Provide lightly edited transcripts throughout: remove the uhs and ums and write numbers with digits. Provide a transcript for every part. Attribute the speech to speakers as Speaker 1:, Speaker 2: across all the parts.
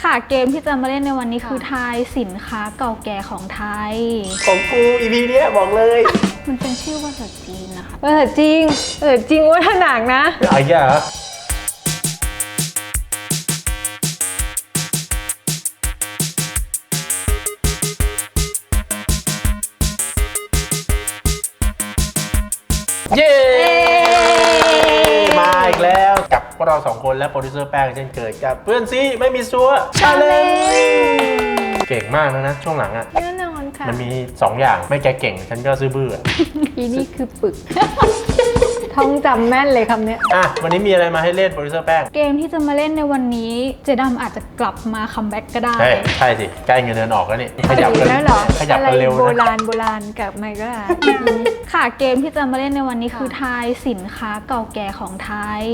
Speaker 1: ค่ะเกมที่จะมาเล่นในวันนี้คือทายสินค้าเก่าแก่ของไทย
Speaker 2: ของกู EP เนี้ยบอกเลย
Speaker 1: มันเป็นชื่อภาษาจีนนะคะ
Speaker 3: ภาษาจริงว่าถนังนะ
Speaker 2: อะไรอ่ะเย้มาอีกแล้วกับพวกเรา2คนและโปรดิวเซอร์แป้งเช่นเคยกับเพื่อนซีไม่มีซัวชาเลนจ์เก่งมากนะช่วงหลังอ่ะ
Speaker 3: แน่นอนค่ะ
Speaker 2: มันมี2อย่างไม่แกเก่งฉันก็ซื้อบื้อ
Speaker 3: อีนี่คือปึกท่องจำแม่นเลยคำนี้
Speaker 2: อ่ะวันนี้มีอะไรมาให้เล่นโปรดิวเซอร์แป้ง
Speaker 1: เกมที่จะมาเล่นในวันนี้เจดำอาจจะกลับมาคัมแบ็กก็ได้
Speaker 2: ใช่สิใกล้เงินเดือนออกแล้วนี่ขยับกัน
Speaker 3: แล้วเหรอ
Speaker 2: ขยับกันเร็วนะ
Speaker 3: โบราณกับไมก็ได้
Speaker 1: ค่ะเกมที่จะมาเล่นในวันนี้คือทายสินค้าเก่าแก่ของไทย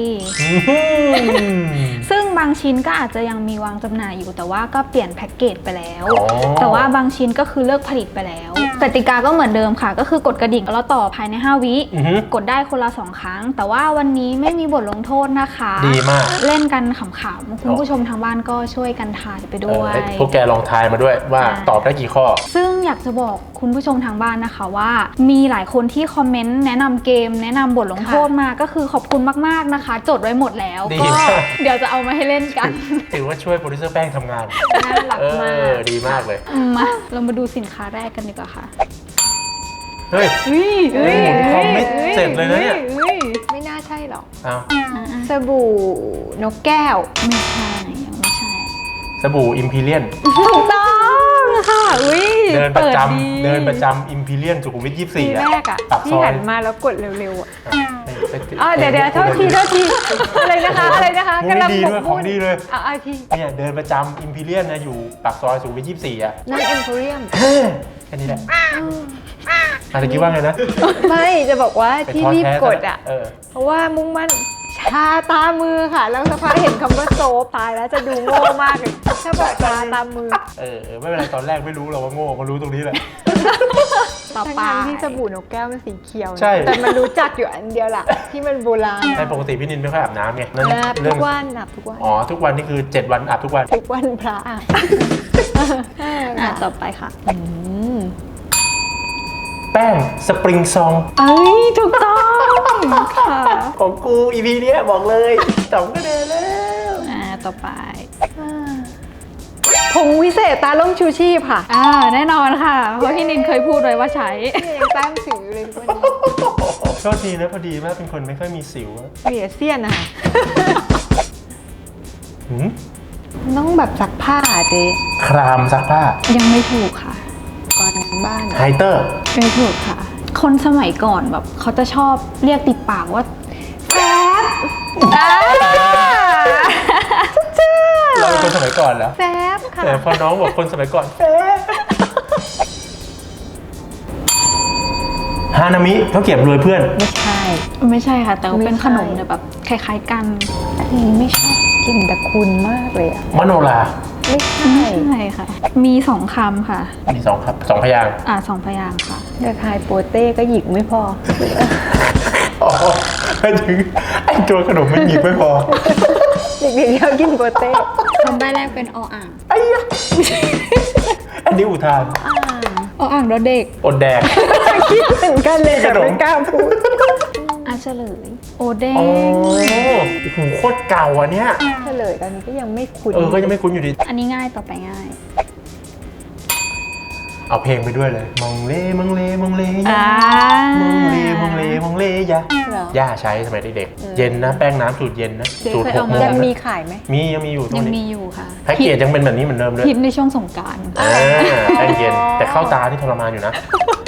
Speaker 1: ซึ่งบางชิ้นก็อาจจะยังมีวางจำหน่ายอยู่แต่ว่าก็เปลี่ยนแพ็กเกจไปแล้วแต่ว่าบางชิ้นก็คือเลิกผลิตไปแล้วกติกาก็เหมือนเดิมค่ะก็คือกดกระดิ่งแล้วต่อภายใน5วิกดได้คนละ2ครั้งแต่ว่าวันนี้ไม่มีบทลงโทษนะคะ
Speaker 2: ดีมาก
Speaker 1: เล่นกันขำๆคุณผู้ชมทางบ้านก็ช่วยกันทายไปด้วย
Speaker 2: พวกแกลองทายมาด้วยว่าตอบได้กี่ข้อ
Speaker 1: ซึ่งอยากจะบอกคุณผู้ชมทางบ้านนะคะว่ามีหลายคนที่คอมเมนต์แนะนำเกมแนะนำบทลงโทษมาก็คือขอบคุณมากๆนะคะจดไว้หมดแล้วก็เดี๋ยวจะเอามาให้เล่นกัน
Speaker 2: ถือว่าช่วยโปรดิวเซอร์แป้งทำงาน
Speaker 3: น่ารักมาก
Speaker 2: ดีมากเลย
Speaker 1: มาเรามาดูสินค้าแรกกันดีกว่าค่ะ
Speaker 2: เฮ้ยคอมไม่เสร็จเลยนะเนี่ย
Speaker 3: ไม่น่าใช่หรอก
Speaker 1: ส
Speaker 3: บู่นกแก้ว
Speaker 1: ไม่ใช่ยังไม่ใช่
Speaker 2: สบู่อิมพีเรียน
Speaker 1: ถูกต้องค่ะ
Speaker 2: เดินประจำอิมพีเรียนสุขุมวิท24
Speaker 3: แรกอ่ะที่หันมาแล้วกดเร็วๆอ่ะเดี๋ยวโทษทีอะไรนะคะ
Speaker 2: กำลังดีด้วยของดีเลย
Speaker 3: ที
Speaker 2: เนี่ยเดินประจำอิมพีเรียนนะอยู่ปากซอยสุขุมวิท24อ่ะ
Speaker 3: นั่นเอ็มโพเรียม
Speaker 2: แค่นี้แหละอะไรคิดว่าไงนะ
Speaker 3: ไม่จะบอกว่าที่รีบกดอ่ะเพราะว่ามุ่งมั่นชาตามือค่ะแล้วสักพักเห็นคำว่าโซฟตายแล้วจะดูโง่มากเลยถ้าบอกชาตามือ
Speaker 2: ไม่เป็นไรตอนแรกไม่รู้หรอกว่าโง่มารู้ตรงนี้แหละ
Speaker 1: ต่อไป
Speaker 3: ที่สบู่นกแก้วมันสีเขียว
Speaker 2: ใช่
Speaker 3: แต่มันรู้จักอยู่อันเดียวล่ะที่มันโบราณ
Speaker 2: ใช่ปกติพี่นินไม่ค่อยอาบน้ำไง
Speaker 3: ทุกวันอาบทุกวัน
Speaker 2: ทุกวันนี่คือ7วันอาบทุกวัน
Speaker 3: พระ
Speaker 1: ต่อไปค่ะ
Speaker 2: แป้งสปริงซอง
Speaker 1: ถูกต้องค่ะ
Speaker 2: ของกู EP เนี้ยบอกเลย2คะแนนแล้ว
Speaker 1: ต่อไป
Speaker 3: ผงวิเศษตาล่มชูชีพค่ะ
Speaker 1: แน่นอนค่ะเพราะพี่นินเคยพูดไว้ว่าใช้
Speaker 3: ยังแต้มสิวอยู่เลยทุกวันนี้
Speaker 2: โทษทีนะพอดีมากเป็นคนไม่ค่อยมีสิว
Speaker 3: เหลียเสี้ยนนะคะต้องแบบซักผ้าเจ๊
Speaker 2: ครามซักผ้า
Speaker 1: ยังไม่ถูกค่ะ
Speaker 3: ก่อนบ้าน
Speaker 2: ไฮเตอร์
Speaker 1: ไม่ถูกค่ะคนสมัยก่อนแบบเขาจะชอบเรียกติดปากว่าแฟบ
Speaker 2: เราเป็นคนสมัยก่อนแล้ว
Speaker 3: แฟบค่ะ
Speaker 2: แต่พอน้องบอกคนสมัยก่อนแฟบฮานามิเขาเก็บรวยเพื่อน
Speaker 1: ไม่ใช่ค่ะแต่เป็นขนมแบบคล้ายๆกัน
Speaker 3: ไม่ชอบกินแต่คุณมากเลยอะ
Speaker 2: มโนรา
Speaker 3: ไม่ใช่
Speaker 1: ค่ะมี2คำค่ะ
Speaker 2: มี2ครับ2พยางค์
Speaker 1: 2พยางค์ค่ะ
Speaker 3: เด็กไฮโปเต้ก็หยิกไม่พอ
Speaker 2: ถึงไอตัวขนมมันหยิบไม่พอ
Speaker 3: เด็กๆเขากินโปเต้
Speaker 1: คำใบ้แรกเป็นออ่าง
Speaker 2: อันนี้อุทาน
Speaker 1: ออ่างแล้วเด็ก
Speaker 2: อดแดก
Speaker 3: คิดเหมือนกันเลยแต่ไม่กล้าพูด
Speaker 1: เฉลยโอเด้ง
Speaker 2: โอ้โหโคตรเก่าอันเนี้ย
Speaker 3: เฉลยตอนนี้ก็ยังไม่คุ้น
Speaker 2: ก็ยังไม่คุ้นอยู่ดี
Speaker 1: อันนี้ง่ายต่อไปง่าย
Speaker 2: เอาเพลงไปด้วยเลยมองเล่มองเล่มองเล่ยามองเล่มองเล่มองเล่ยาย่าใช้สมัยเด็กๆเย็นนะแป้งน้ำสูตรเย็นนะสูตร6 โมง
Speaker 3: ยังมีขายไหม
Speaker 2: ยังมีอยู่
Speaker 1: ยังมีอยู่ค่ะ
Speaker 2: แพ็กเกจยังเป็นแบบนี้เหมือนเดิมเลย
Speaker 1: ฮิตในช่วงสงกรานต์
Speaker 2: แป้งเย็นแต่เข้าตาที่ทรมานอยู่นะ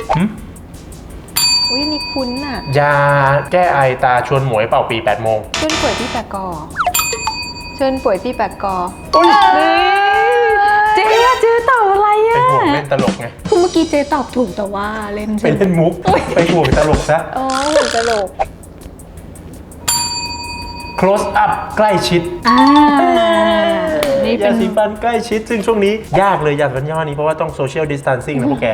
Speaker 3: นี่คุ้นอ่ะ
Speaker 2: ยาแก้ไอตาชวนหมวยเป่าปี8 โมง
Speaker 3: ชวนป่วยที่แปกกอเชิญป่วยที่แปกกอ
Speaker 1: เจ๊ตอบอะไรอ่ะ
Speaker 2: ไปห่วงเล่นตลกไง
Speaker 1: คือเมื่อกี้เจ๊ตอบถูกแต่ว่าเล่น
Speaker 2: ไปเล่นมุกไปห่วงตลกซะ
Speaker 3: ห่วงตลก
Speaker 2: close up ใกล้ชิดยาสีฟันใกล้ชิดซึ่งช่วงนี้ยากเลยยาสีฟันยี่ห้อนี้เพราะว่าต้อง social distancing นะพวกแก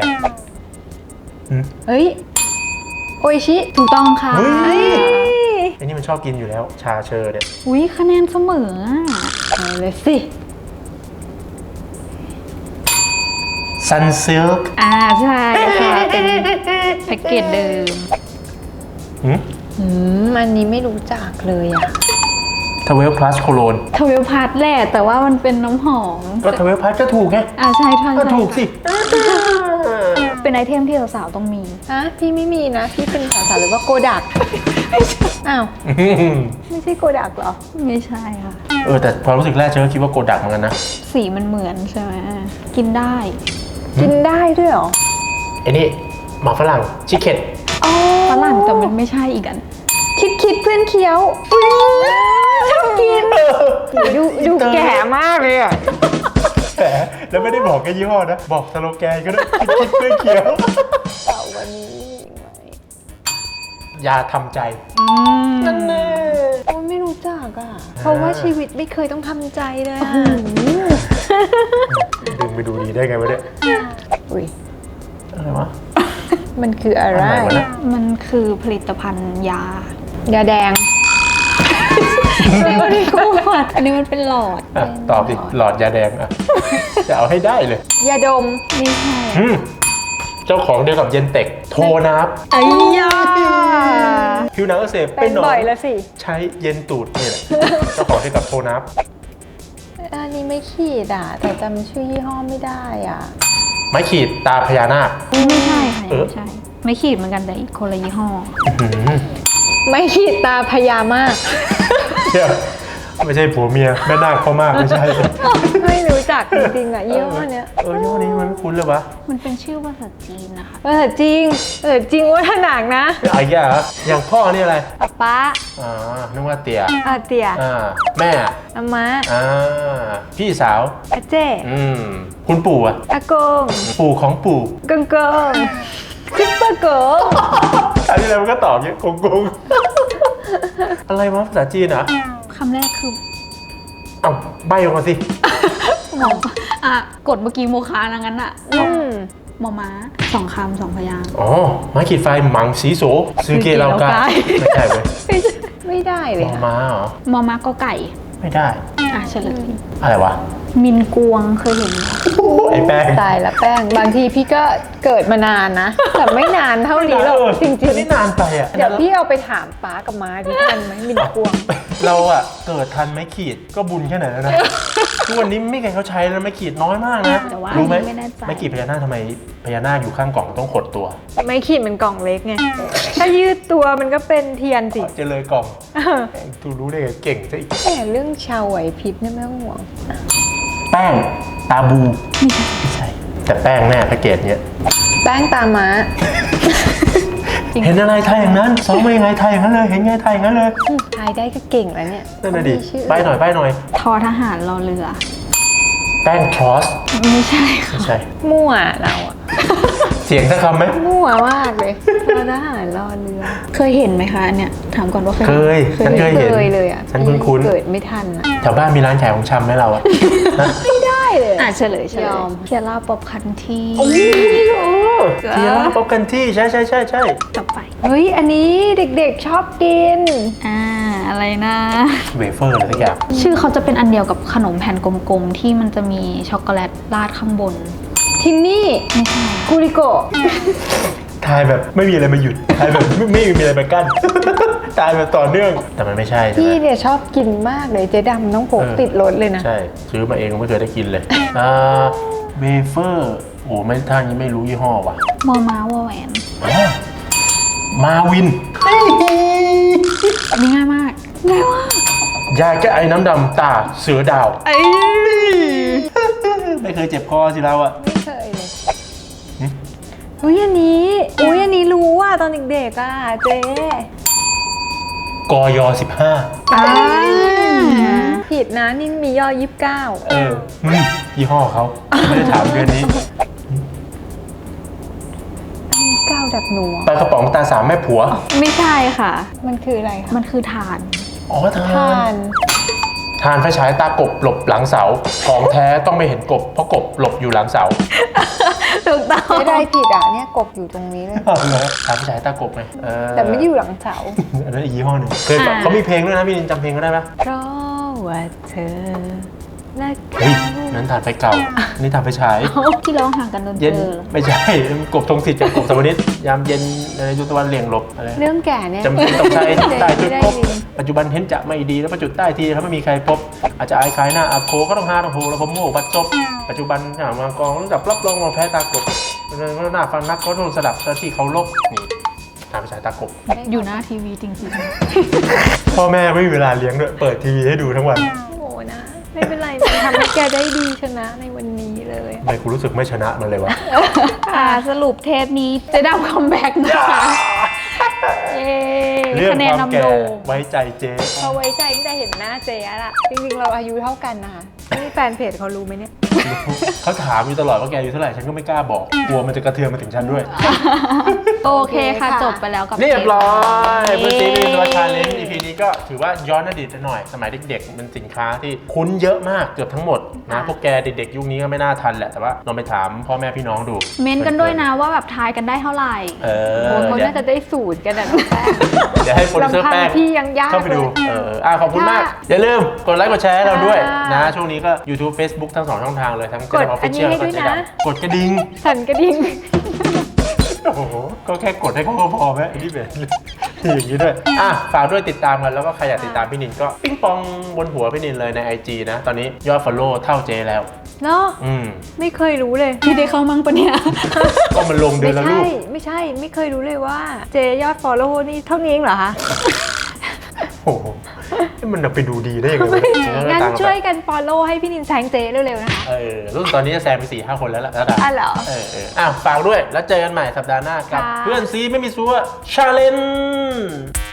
Speaker 3: โออิชิ
Speaker 1: ถูกต้องค่ะ
Speaker 2: ไอ้นี่มันชอบกินอยู่แล้วชาเชอร์เนี่ย
Speaker 1: คะแนนเสมอ
Speaker 3: เลยสิ
Speaker 2: Sunsilk
Speaker 1: ใช่ค่ะเป็นแพ็กเกจเดิม
Speaker 3: อันนี้ไม่รู้จักเลยอ่ะ
Speaker 2: Travel Plus Cologne
Speaker 1: ทเวลพัทแหละแต่ว่ามันเป็นน้ำหอม
Speaker 2: ก็ Travel Plus ก็ถูกไง
Speaker 1: ใช่ใช่
Speaker 2: ก็ถูกสิ
Speaker 1: เป็นไอเทมที่สาวๆต้องมี
Speaker 3: พี่ไม่มีนะ พี่เป็นสาวๆหรือว่าโกดัก อ้าว ไม่ใช่โกดักเหรอ
Speaker 1: ไม่ใช่ค่ะ
Speaker 2: แต่ความรู้สึกแรกฉันก็คิดว่าโกดักเหมือนกันนะ
Speaker 1: สีมันเหมือนใช่ไหมกินได้
Speaker 3: กินได้ด้วยเหรอ
Speaker 2: ไอ้นี่หมาฝรั่งชิคเก็ต
Speaker 1: ฝรั่งแต่มันไม่ใช่อีกอัน
Speaker 3: คิดเพื่อนเคี้ยวชอบกินดูแก่มากเลยอ่ะ
Speaker 2: แต่แล้วไม่ได้บอกแค่ยี่ห้อนะ บอกสโลแกนก็ได้คิดเพื่อเคี้ยว
Speaker 3: วันนี้มีไหม
Speaker 2: ยาทำใจ
Speaker 3: นั่นแน่โอ้ยไม่รู้จักอ่ะ เพราะว่าชีวิตไม่เคยต้องทำใจเลยอ่ะ
Speaker 2: ดึงไปดูดีได้ไงวะเนี่ย
Speaker 3: อุ้ย
Speaker 2: อะไรวะ
Speaker 3: มันคืออะไร
Speaker 2: อะไรวะเนี่ย
Speaker 1: มันคือผลิตภัณฑ์ยา
Speaker 3: ยาแดง
Speaker 1: อันนี้มันเป็นหลอด
Speaker 2: ตอบดิหลอดยาแดงอ่ะ จะเอาให้ได้เลย
Speaker 3: ยาดม
Speaker 1: ไม่ใช่
Speaker 2: เจ้าของเดียวกับเย็นเต็กโทนับ
Speaker 1: ไอ้ยา
Speaker 2: ผิวหนังอักเสบ
Speaker 3: เป็น
Speaker 2: หนอ
Speaker 3: บ่อย
Speaker 2: ง
Speaker 3: แล้วสิ
Speaker 2: ใช้เย็นตูดนี่แหละ เจ้าของเดียวกับโทนับ
Speaker 3: อันนี้ไม่ขีดอ่ะ แต่จำชื่อยี่ห้อไม่ได้อ่ะ
Speaker 2: ไม้ขีดตาพญานาค
Speaker 1: ไม่ใช่ค่ะไม่ใช่ ไม่ขีดเหมือนกันแต่อีกคนละยี่ห้อ
Speaker 3: ไม่ขีดตาพยามาก
Speaker 2: เชื่อไม่ใช่ผัวเมียแม่นาคพ่อมากไม่ใช่
Speaker 3: ไม่รู้จักจริงๆอ่ะยี่ห้อเนี้ย
Speaker 2: ยี่ห้อนี้มันไม่คุ้นเลยวะ
Speaker 1: มันเป็นชื่อภาษาจีนนะคะ
Speaker 3: จริงจริงว่าถนักนะ
Speaker 2: ไอ้ย่าอย่างพ่อนี่อะไร
Speaker 3: ป้า
Speaker 2: นึกว่าเตี่ย
Speaker 3: เตี่ย
Speaker 2: แม่
Speaker 3: อาม่า
Speaker 2: พี่สาว
Speaker 3: อาเจ้
Speaker 2: คุณปู่อะ
Speaker 3: อากง
Speaker 2: ปู่ของปู่
Speaker 3: กงกงซุปเปอร์เกิร์ล
Speaker 2: อันนี้เราก็ตอบเงี้ยกงกงอะไรวะภาษาจีนเหรอ
Speaker 1: คำแรกคือ
Speaker 2: ใบออกมาสิ
Speaker 1: หมอกดเมื่อกี้โมคานะงั้นอะหมอม้า2 คำ 2 พยางค์
Speaker 2: ไม้ขีดไฟหมังสีโสซื้อเกลากาไม่ใช่เว้ย
Speaker 3: ไม่ได้เล
Speaker 2: ม
Speaker 3: ย
Speaker 2: อ
Speaker 3: ค่ะ
Speaker 2: ม้าเหรอ
Speaker 1: มอม้าก็ไก่
Speaker 2: ไม่ได้
Speaker 1: เฉลย
Speaker 2: อะไรวะ
Speaker 1: มินกวงเคยเห็นไหม
Speaker 2: ไอ้แป้ง
Speaker 3: ตายละแป้ง บางทีพี่ก็เกิดมานานนะ แต่ไม่นานเท่านี้หรอกจริง
Speaker 2: นี่นานไปอะ
Speaker 3: ๆ เดี๋ยวพี่เอาไปถามป้ากับม้าที่ทันไหมมินกวง
Speaker 2: เราอะเกิดทันไม้ขีดก็บุญแค่ไหนแล้วนะ ทุกวันนี้ไม่มีใครเขาใช้แล้วไม้ขีดน้อยมากนะ
Speaker 1: แต่ว่า
Speaker 2: รู้ไหม
Speaker 1: ไม่แน่ใจ
Speaker 2: ไม้ขีดพญานาคทำไมพญานาคอยู่ข้างกล่องต้องขดตัว
Speaker 3: ไม่ขีดมันกล่องเล็กไง ถ้ายืดตัวมันก็เป็นเทียนสิ
Speaker 2: จะเลยกล่องดูรู้ได้ไงเก่งซะอีก
Speaker 3: แต่เรื่องชาวไหวพริบเนี่ยไม่ต้องห่วง
Speaker 2: แป้งตาบูไม่ใช่แต่แป้งแน่แพ็กเกจเนี้ย
Speaker 3: แป้งตาม้า
Speaker 2: เห็นอะไรไทยอย่างนั้นซ้อมมายังไงไทยอย่างนั้นเลยเห็นไงไทยอย่างนั้นเลย
Speaker 3: ทายได้ก็เก่งแล้วเนี่ย
Speaker 2: นั่นน่ะดิ
Speaker 3: มีชื่อ
Speaker 2: ใบหน่อยใบหน่อย
Speaker 1: ทอทหารรอเรือ
Speaker 2: แป้งทรอส
Speaker 1: ไม่ใช่ค่ะ
Speaker 2: ไม่ใช่
Speaker 3: มั่วเราอะ
Speaker 2: เสียงสักคำไหม
Speaker 3: มั่วมากเลยรอทหารรอเรือ
Speaker 1: เคยเห็นไหมคะอันเนี่ยถามก่อนว่าเคย
Speaker 2: เคยฉันเคยเห็น
Speaker 3: เคยเลยอะ
Speaker 2: ฉันคุ้น
Speaker 3: เกิดไม่ทันอะ
Speaker 2: ๆแถวบ้านมีร้านขายของชำไหมเราอะฮะ
Speaker 3: ไม่ได้เลยอะ
Speaker 1: เฉลย
Speaker 3: ยอม
Speaker 1: เคียร่าป๊อปคันที่
Speaker 2: เทียร่าป๊อปกันที่ใช่ใช่ใช่ใช่
Speaker 1: ต่อไป
Speaker 3: เฮ้ย อันนี้เด็กๆชอบกิน
Speaker 1: อะไรนะ
Speaker 2: เวเฟอร์อะไรสักอย่าง
Speaker 1: ชื่อเขาจะเป็นอันเดียวกับขนมแผ่นกลมๆที่มันจะมีช็อกโกแลตราดข้างบน
Speaker 3: ทินนี่
Speaker 1: ไม่ใช่
Speaker 3: กูริโกะ
Speaker 2: ทายแบบไม่มีอะไรมาหยุดทายแบบไม่มีอะไรมากั้น ทายแบบต่อเนื่องแต่มันไม่ใช่ใช่
Speaker 3: พี่
Speaker 2: ไหม
Speaker 3: เนี่ยชอบกินมากเลยเจ๊ดำต้องพกติดรถเลยนะ
Speaker 2: ใช่ซื้อมาเองไม่เคยได้กินเลยเวเฟอร์โอ้ไม่ท่านี้ไม่รู้ยี่ห้อว่ะ
Speaker 1: มอม้าวอแหวน
Speaker 2: มาวิน
Speaker 1: อันนี้ง่ายมากง่ายมาก
Speaker 2: ยาแก้ไอน้ำดำตาเสือดาว
Speaker 1: เอ้ย
Speaker 2: ไม่เคยเจ็บคอสิเราอะ
Speaker 3: ไม่เคยเลยอุ้ยอันนี้รู้ว่าตอนเด็กๆอ่ะเจ๊
Speaker 2: กย15
Speaker 3: ผิดนะนี่มีย่อ29
Speaker 2: ยี่ห้อเขาไม่ได้ถามเดือนนี้
Speaker 3: 9ดับหนัว
Speaker 2: ปลากระป๋องตาสามแม่ผัว
Speaker 1: ไม่ใช่ค่ะ
Speaker 3: มันคืออะไรคะ
Speaker 1: มันคือถ่าน
Speaker 2: อ๋อทา
Speaker 3: ทาน
Speaker 2: ทานไฟฉายตากบหลบหลังเสาของแท้ต้องไม่เห็นกบเพราะกบหลบอยู่หลังเสา
Speaker 1: ถูกต้อง
Speaker 3: ไม่ได้ผิดอ่ะเนี่ยกบอยู่ตรงนี้เลย
Speaker 2: ทานไฟฉายตากบไง
Speaker 3: แต่ไม่ได้อยู่หลังเสา
Speaker 2: อันนั้นอีกยี่ห้อหนึ่งเคยแบบเขามีเพลงด้วยนะพี่นินจำเพลงก็ได้ปะ
Speaker 3: เพราะว่าเธอน่า
Speaker 2: เฮ้ยนั้นถ่านไฟเก่า นี่ถ่านไฟฉาย
Speaker 1: ที่ร้องห่างกันโดนเจ
Speaker 2: เย็น
Speaker 1: อ
Speaker 2: ไม่ใช่กบธงศิษย์กับกบสวนิชยามเย็นในยุทธวันเหลี่ยงหลบอะไร
Speaker 3: เรื่องแก่เนี่ย
Speaker 2: จำเป็นต้องใช้ใต้จุดพบ
Speaker 3: ไม่ได้ยิน
Speaker 2: ปัจจุบันเห็นจะไม่ดีแล้วประจุดใต้ทีถ้าไม่มีใครพบ อาจจะอายขายหน้าอาโคก็ต้องหาต้องโหแล้วผมโม่บัดซบปัจจุบันหามากองต้องจับรับรองมาแพ้ตากบหน้าฟังนักก็ต้องสลับที่เขาลบนี่ทางภาษาตากบ
Speaker 1: อยู่หน้าทีวีจริง
Speaker 2: พ่อแม่ไม่มีเวลาเลี้ยงด้วยเปิดทีวีให้ดูทั้งวัน
Speaker 3: โอ้โหนะไม่เป็นไรนะทำให้แกได้ดีชนะในวันนี้เลย
Speaker 2: ทำไมกูรู้สึกไม่ชนะมันเลยวะ
Speaker 1: ๆสรุปเทปนี้เจะดำคัมแบ็กนะคะเย้
Speaker 2: เรื่อง
Speaker 1: คะแน
Speaker 2: คน วาม
Speaker 1: นำ
Speaker 2: แก่
Speaker 1: โด่ง
Speaker 2: ไว้ใจเจ๊
Speaker 3: เขาไว้ใจตั้งแต่เห็นหน้าเจ๊ละจริงๆเราอายุเท่ากันนะคะนี่แฟนเพจเขารู้ไหมเนี่ย
Speaker 2: เขาถามอยู่ตลอดว่าแกอายุเท่าไหร่ฉันก็ไม่กล้าบอกกลัวมันจะกระเทือนมาถึงฉันด้วย
Speaker 1: โอเคค่ะ
Speaker 3: โอเคค่ะ
Speaker 1: จบไปแล้วกับ
Speaker 2: เรียบร้อย
Speaker 1: เย้
Speaker 2: เพื่อนซีรีส์ตัวชาเลนจ์ EP นี้ก็ถือว่าย้อนอดีตหน่อย สมัยเด็กๆมันสินค้าที่คุ้นเยอะมากเกือบทั้งหมดนะพวกแกเด็กๆยุคนี้ก็ไม่น่าทันแหละแต่ว่าลองไปถามพ่อแม่พี่น้องดู
Speaker 1: เม้นต์กันด้วยนะว่าแบบทายกันได้เท่าไหร่
Speaker 2: เอ
Speaker 3: โอ้
Speaker 2: อ
Speaker 3: เขา
Speaker 2: เดี๋ยว
Speaker 3: น่าจะได้สูตรกันนะน้องแป้ง
Speaker 2: เดี๋ยวให้โปรดิวเซอร์แป้ง
Speaker 3: ลำพังพี่ยังยาก
Speaker 2: เข้าไปดู
Speaker 3: เลย
Speaker 2: ขอบคุณมาก
Speaker 3: ค่ะ
Speaker 2: อย่าลืมกดไลค์กดแชร์ให้เราด้วย
Speaker 3: ค่ะ
Speaker 2: นะช่วงนี้ก็ YouTube Facebook ทั้ง2ช่องทางเลยทั้ง
Speaker 3: กด
Speaker 2: Channel Official
Speaker 3: อันนี้ให้ด้วยนะ
Speaker 2: กดกระดิ่ง
Speaker 3: สั่นกระดิ่ง
Speaker 2: โอ้โห ก็แค่กดให้เขาก็พอไหมไอ้นี่เป็นอย่างนี้ด้วย ฝากด้วยติดตามกัน แล้วก็ใครอยากติดตามพี่นินก็ปิ้งปองบนหัวพี่นินเลยใน IG นะ ตอนนี้ยอด follow เท่าเจแล้ว
Speaker 3: เนาะ
Speaker 2: อืม
Speaker 3: ไม่เคยรู้เลย
Speaker 1: พี่ได้เข้ามั่งปะเนี่ย
Speaker 2: ก็มันลงเดือนละรูป
Speaker 3: ไม่ใช่ไม่เคยรู้เลยว่าเจยอด follow นี่เท่านี้เองเหรอคะ
Speaker 2: โอ้โหมันจะไปดูดีได้ยังไงวะเนี่ย
Speaker 3: งั้น
Speaker 2: ตังค์
Speaker 3: ช่วยกัน follow ให้พี่นินแซงเจเร็วๆนะคะ
Speaker 2: รุ่นตอนนี้จะแซงไป 4-5 คนแล้วล่ะระดับ
Speaker 3: เหรอ
Speaker 2: ฝากด้วยแล้วเจอกันใหม่สัปดาห์หน้ากับ
Speaker 3: ค่ะ
Speaker 2: เพื่อนซีไม่มีซัวชาเลนจ์